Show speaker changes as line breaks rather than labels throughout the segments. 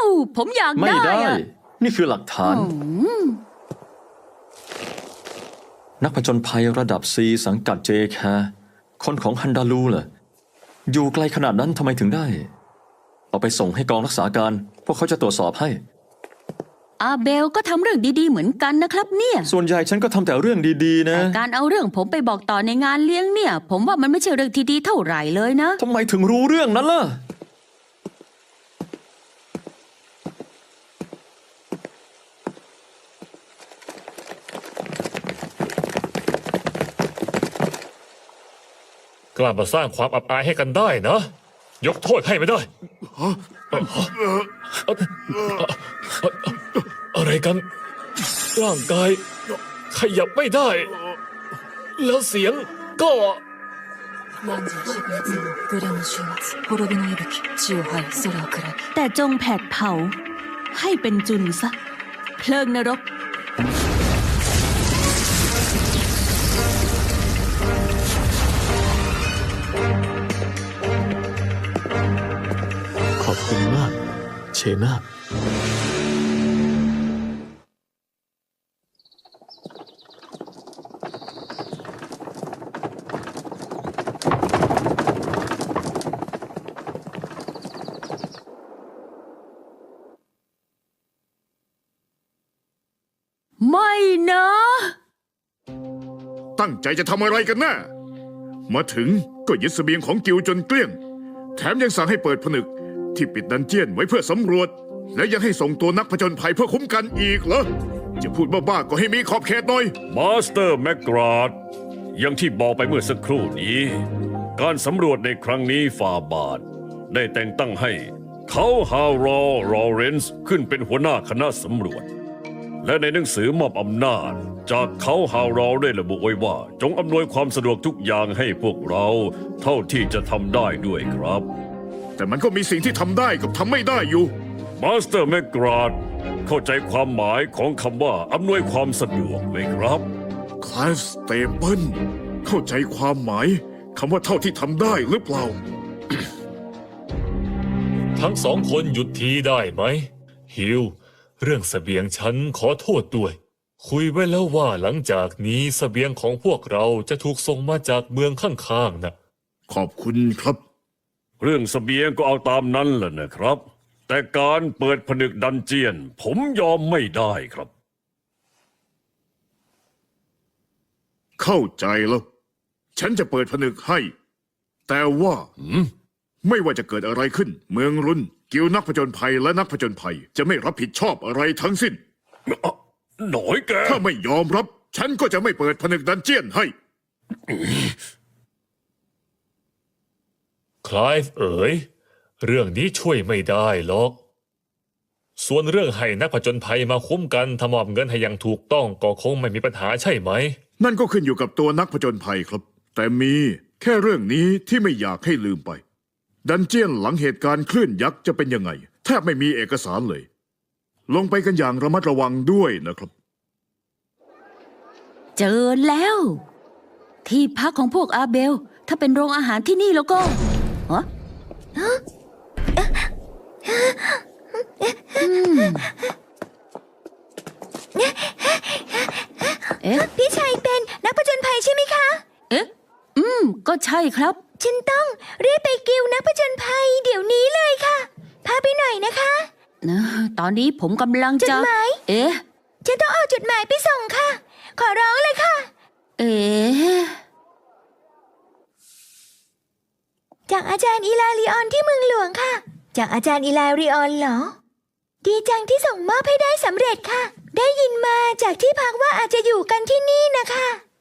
ผมอยาก
ไม่
ได้
ได้
อะ
นี่คือหลักฐาน นักผจญภัยระดับ C สังกัด JK คนของฮันดาลูเหรออยู่ไกลขนาดนั้นทำไมถึงได้ เอาไปส่งให้กองรักษาการ พวกเขาจะตรวจสอบให้
อาเบลก็ทำเรื่องดีๆเหมือนกันนะครับเนี่ย
ส่วนใหญ่ฉันก็ทำแต่เรื่องดีๆนะ
แต่การเอาเรื่องผมไปบอกต่อในงานเลี้ยงเนี่ย ผมว่ามันไม่ใช่เรื่องที่ดีเท่าไหร่เลยนะ
ทำไมถึงรู้เรื่องนั้นล่ะ
กล้ามาสร้างความอับอายให้กันได้นะ ยกโทษให้ไม่ได้อะไรกัน ร่างกายขยับไม่ได้ แล้วเสียงก็
何時4月のグレの週末滅びの息吹地を這い空を暗き
แต่จงแผดเผาให้เป็นจุนซะ เพลิงนรก
ขอบคุณมาก เชนา
ไม่นะ
ตั้งใจจะทำอะไรกันแน่มาถึงก็ยึดเสบียงของกิวจนเกลี้ยง แถมยังสั่งให้เปิดผนึกที่ปิดดันเจียนไว้เพื่อสำรวจ และยังให้ส่งตัวนักผจญภัยเพื่อคุ้มกันอีกเหรอ จะพูดบ้าๆก็ให้มีขอบเขตหน่อย
มาสเตอร์แมกกราดอย่างที่บอกไปเมื่อสักครู่นี้ การสำรวจในครั้งนี้ฟาบาทได้แต่งตั้งให้เขาฮารอลอเรนซ์ขึ้นเป็นหัวหน้าคณะสำรวจ และในหนังสือมอบอำนาจจากเขาฮารอลได้ระบุไว้ว่าจงอำนวยความสะดวกทุกอย่างให้พวกเราเท่าที่จะทำได้ด้วยครับ
แต่มันก็มีสิ่งที่ทำได้กับทำไม่ได้อยู่
มาสเตอร์แมกกราดเข้าใจความหมายของคำว่าอำนวยความสะดวกไหมครับ
คลาสสเตเปิลเข้าใจความหมายคำว่าเท่าที่ทำได้หรือเปล่า
ทั้งสองคนหยุดทีได้ไหมฮิวเรื่องเสบียงฉันขอโทษด้วย คุยไว้แล้วว่าหลังจากนี้เสบียงของพวกเราจะถูกส่งมาจากเมืองข้างๆนะ
ขอบคุณครับ
เรื่องเสบียงก็เอาตามนั้นแหละนะครับ แต่การเปิดผนึกดันเจียน ผมยอมไม่ได้ครับ
เข้าใจแล้ว ฉันจะเปิดผนึกให้ แต่ว่าไม่ว่าจะเกิดอะไรขึ้น เมืองรุนกิวนักผจญภัยและนักผจญภัยจะไม่รับผิดชอบอะไรทั้งสิ้น
หน่อยแก
ถ้าไม่ยอมรับ ฉันก็จะไม่เปิดผนึกดันเจียนให้
คลายเอ๋ยเรื่องนี้ช่วยไม่ได้หรอก ส่วนเรื่องให้นักผจญภัยมาคุ้มกันทำมอบเงินให้อย่างถูกต้องก็คงไม่มีปัญหาใช่ไหม
นั่นก็ขึ้นอยู่กับตัวนักผจญภัยครับ แต่มีแค่เรื่องนี้ที่ไม่อยากให้ลืมไป ดันเจียนหลังเหตุการณ์คลื่นยักษ์จะเป็นยังไงแทบไม่มีเอกสารเลย ลงไปกันอย่างระมัดระวังด้วยนะครับ
เจอแล้ว ที่พักของพวกอาเบล ถ้าเป็นโรงอาหารที่นี่แล้วก็ฮะเอ๊ะ
พี่ชายเป็นนักผจญภัยใช่ไหมคะ
เอ๊ะ ก็ใช่ครับ
ฉันต้องรีบไปกิวนักผจญภัยเดี๋ยวนี้เลยค่ะ พาไปหน่อยนะคะ
ตอนนี้ผมกำลัง
จ
จะ
ดหมาย
เอ๊ะ
ฉันต้องเอาจดหมายไปส่งค่ะ ขอร้องเลยค่ะ
เอ๊ะ
จากอาจารย์อีลาริออนที่เมืองหลวงค่ะ จากอาจารย์อีลาริออนเหรอ ดีจังที่ส่งมอบให้ได้สำเร็จค่ะ ได้ยินมาจากที่พักว่าอาจจะอยู่กันที่นี่นะคะ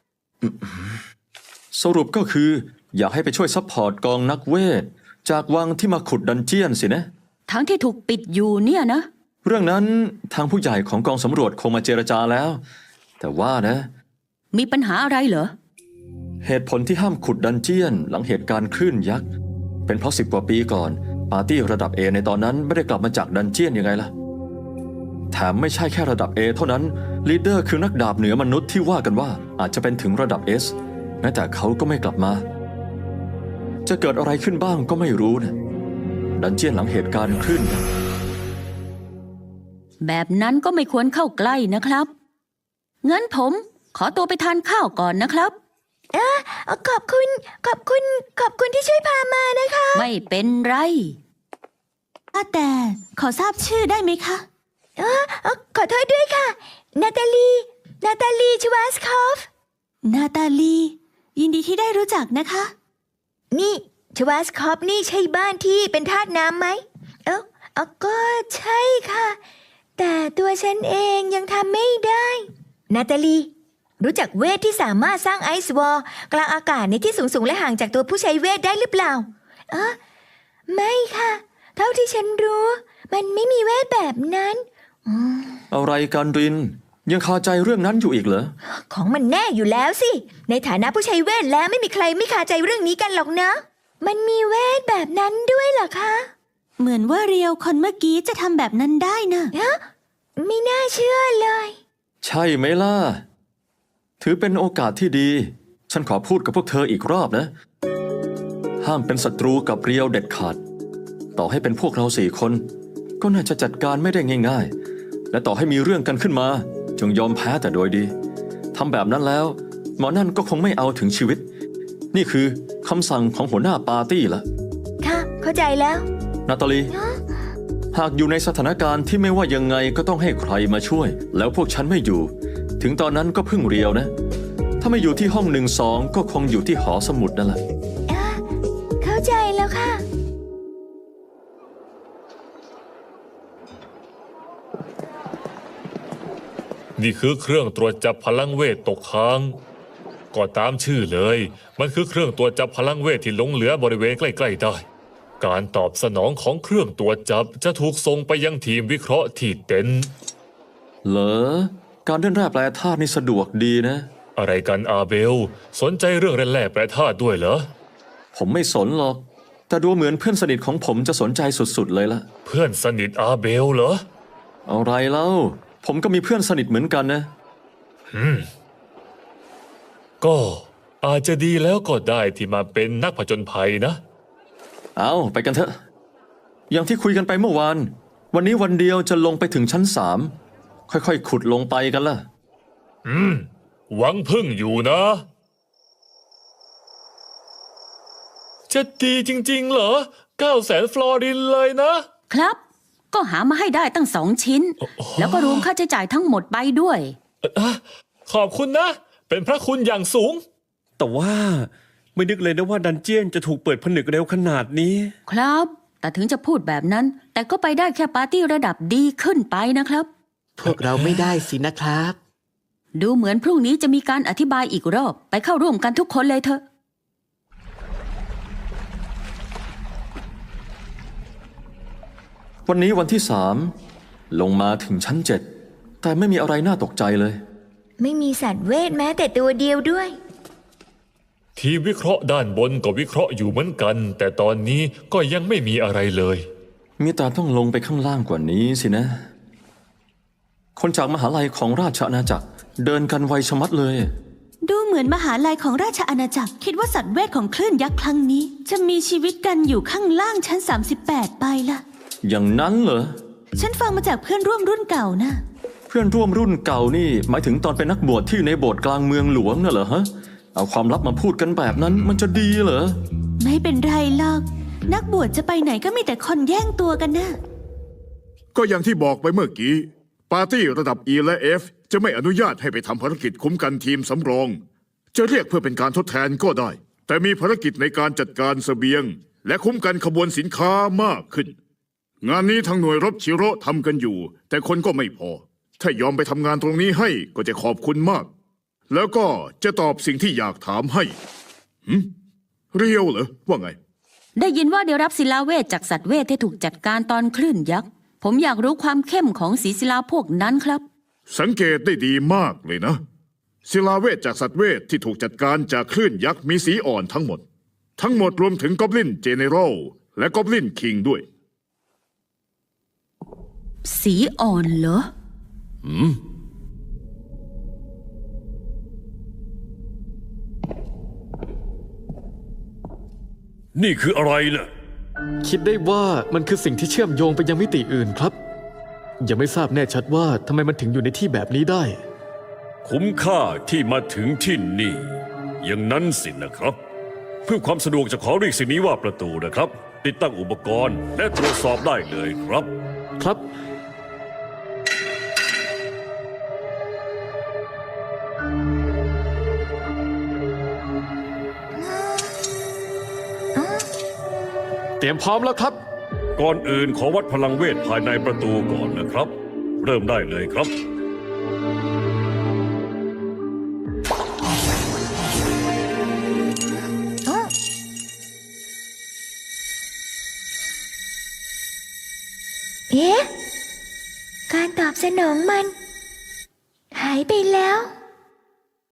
สรุปก็คือ อยากให้ไปช่วยซัพพอร์ตกองนักเวท จากวังที่มาขุดดันเจียนสินะ
ทั้งที่ถูกปิดอยู่เนี่ยนะ
เรื่องนั้นทางผู้ใหญ่ของกองสำรวจคงมาเจรจาแล้ว แต่ว่านะ
มีปัญหาอะไรเหรอ
เหตุผลที่ห้ามขุดดันเจียนหลังเหตุการณ์คลื่นยักษ์ เป็นเพราะ10 กว่าปีก่อน ปาร์ตี้ระดับ A ในตอนนั้นไม่ได้กลับมาจากดันเจียนยังไงล่ะ แถมไม่ใช่แค่ระดับ A เท่านั้นลีดเดอร์คือนักดาบเหนือมนุษย์ที่ว่ากันว่าอาจจะเป็นถึงระดับ S แม้แต่เขาก็ไม่กลับมา จะเกิดอะไรขึ้นบ้างก็ไม่รู้นะดันเจียนหลังเหตุการณ์คลื่นยักษ์
แบบนั้นก็ไม่ควรเข้าใกล้นะครับงั้นผมขอตัวไปทานข้าวก่อนนะครับ
ขอบคุณที่ช่วยพามานะคะ
ไม่เป็นไร
แต่ขอทราบชื่อได้ไหมคะ
ขอโทษด้วยค่ะ นาตาลีชวาสคอฟ
นาตาลี ยินดีที่ได้รู้จักนะคะ
นี่ชวาสคอฟนี่ใช่บ้านที่เป็นทาสน้ำไหมก็ใช่ค่ะ แต่ตัวฉันเองยังทำไม่ได้ นาตาลี รู้จักเวทที่สามารถสร้างไอซ์วอลกลางอากาศในที่สูงและห่างจากตัวผู้ใช้เวทได้หรือเปล่าไม่ค่ะ เท่าที่ฉันรู้ มันไม่มีเวทแบบนั้น
อะไรกันริน ยังคาใจเรื่องนั้นอยู่อีกเหรอ
ของมันแน่อยู่แล้วสิ ในฐานะผู้ใช้เวทแล้วไม่มีใครไม่คาใจเรื่องนี้กันหรอกนะ มันมีเวทแบบนั้นด้วยเหรอคะ
เหมือนว่าเรียวคนเมื่อกี้จะทำแบบนั้นได้นะ
ไม่น่าเชื่อเลย
ใช่ไหมล่ะ ถือเป็นโอกาสที่ดี ฉันขอพูดกับพวกเธออีกรอบนะ ห้ามเป็นศัตรูกับเรียวเด็ดขาด ต่อให้เป็นพวกเรา4 คน ก็น่าจะจัดการไม่ได้ง่ายๆ และต่อให้มีเรื่องกันขึ้นมาจงยอมแพ้แต่โดยดีทำแบบนั้นแล้วหมอนั่นก็คงไม่เอาถึงชีวิต นี่คือคำสั่งของหัวหน้าปาร์ตี้ละ
ค่ะ เข้าใจแล้ว
นาตาลี หากอยู่ในสถานการณ์ที่ไม่ว่ายังไงก็ต้องให้ใครมาช่วย แล้วพวกฉันไม่อยู่ ถึงตอนนั้นก็พึ่งเรียวนะ ถ้าไม่อยู่ที่ห้อง1-2 ก็คงอยู่ที่หอสมุดนั่นแหละ
เข้าใจแล้วค่ะ
นี่คือเครื่องตรวจจับพลังเวทตกค้างก็ตามชื่อเลย มันคือเครื่องตรวจจับพลังเวทที่หลงเหลือบริเวณใกล้ๆได้ การตอบสนองของเครื่องตรวจจับจะถูกส่งไปยังทีมวิเคราะห์ที่เต็นท์
เหรอ การเล่นแร่แปรธาตุนี่สะดวกดีนะ
อะไรกันอาเบล สนใจเรื่องแร่แปรธาตุด้วยเหรอ
ผมไม่สนหรอก แต่ดูเหมือนเพื่อนสนิทของผมจะสนใจสุดๆเลยละ
เพื่อนสนิทอาเบลเหรอ
อะไรเล่า ผมก็มีเพื่อนสนิทเหมือนกันนะ
ก็อาจจะดีแล้วก็ได้ที่มาเป็นนักผจญภัยนะ
เอาไปกันเถอะ อย่างที่คุยกันไปเมื่อวาน วันนี้วันเดียวจะลงไปถึงชั้น3ค่อยๆขุดลงไปกันล่ะ
หวังพึ่งอยู่นะ จะดีจริงๆเหรอ 900,000 ฟลอรินเลยนะ
ครับ ก็หามาให้ได้ตั้ง2 ชิ้น แล้วก็รวมค่าใช้จ่ายทั้งหมดไปด้วย
ขอบคุณนะ เป็นพระคุณอย่างสูง
แต่ว่าไม่นึกเลยนะว่าดันเจียนจะถูกเปิดผนึกเร็วขนาดนี้
ครับ แต่ถึงจะพูดแบบนั้น แต่ก็ไปได้แค่ปาร์ตี้ระดับดีขึ้นไปนะครับ
พวกเราไม่ได้สินะครับ
ดูเหมือนพรุ่งนี้จะมีการอธิบายอีกรอบ ไปเข้าร่วมกันทุกคนเลยเถอะ
วันนี้วันที่3ลงมาถึงชั้น7แต่ไม่มีอะไรน่าตกใจเลย
ไม่มีสัตว์เวทแม้แต่ตัวเดียวด้วย
ทีมวิเคราะห์ด้านบนก็วิเคราะห์อยู่เหมือนกัน แต่ตอนนี้ก็ยังไม่มีอะไรเลย
มีแต่ต้องลงไปข้างล่างกว่านี้สินะ คนจากมหาลัยของราชอาณาจักรเดินกันไวชะมัดเลย
ดูเหมือนมหาลัยของราชอาณาจักรคิดว่าสัตว์เวทของคลื่นยักษ์ครั้งนี้ จะมีชีวิตกันอยู่ข้างล่างชั้น38ไปล่ะ
อย่างนั้นเหรอ
ฉันฟังมาจากเพื่อนร่วมรุ่นเก่านะ
เพื่อนร่วมรุ่นเก่านี่หมายถึงตอนเป็นนักบวชที่ในโบสถ์กลางเมืองหลวงน่ะเหรอฮะ เอาความลับมาพูดกันแบบนั้นมันจะดีเหรอ
ไม่เป็นไรหรอก นักบวชจะไปไหนก็มีแต่คนแย่งตัวกันนะ
ก็อย่างที่บอกไปเมื่อกี้ ปาร์ตี้ระดับ E และ F จะไม่อนุญาตให้ไปทำภารกิจคุ้มกันทีมสำรอง จะเรียกเพื่อเป็นการทดแทนก็ได้ แต่มีภารกิจในการจัดการเสบียง และคุ้มกันขบวนสินค้ามากขึ้น งานนี้ทางหน่วยรบชิโร่ทำกันอยู่ แต่คนก็ไม่พอ ถ้ายอมไปทำงานตรงนี้ให้ก็จะขอบคุณมาก แล้วก็จะตอบสิ่งที่อยากถามให้เรียวเหรอว่าไง
ได้ยินว่าได้รับศิลาเวทจากสัตว์เวทที่ถูกจัดการตอนคลื่นยักษ์ ผมอยากรู้ความเข้มของสีศิลาพวกนั้นครับ
สังเกตได้ดีมากเลยนะ ศิลาเวทจากสัตว์เวทที่ถูกจัดการจากคลื่นยักษ์มีสีอ่อนทั้งหมด รวมถึงกอบลินเจเนอรัลและกอบลินคิงด้วย
สีอ่อนเหรอ
นี่คืออะไรน่ะ
คิดได้ว่ามันคือสิ่งที่เชื่อมโยงไปยังมิติอื่นครับยังไม่ทราบแน่ชัดว่าทำไมมันถึงอยู่ในที่แบบนี้ได้
คุ้มค่าที่มาถึงที่นี่ อย่างนั้นสินะครับ เพื่อความสะดวกจะขอเรียกสิ่งนี้ว่าประตูนะครับ ติดตั้งอุปกรณ์และตรวจสอบได้เลยครับ
ครับ เตรียมพร้อมแล้วครับ
ก่อนอื่นขอวัดพลังเวทภายในประตูก่อนนะครับ เริ่มได้เลยครับ
เอ๊ะ การตอบสนองมัน หายไปแล้ว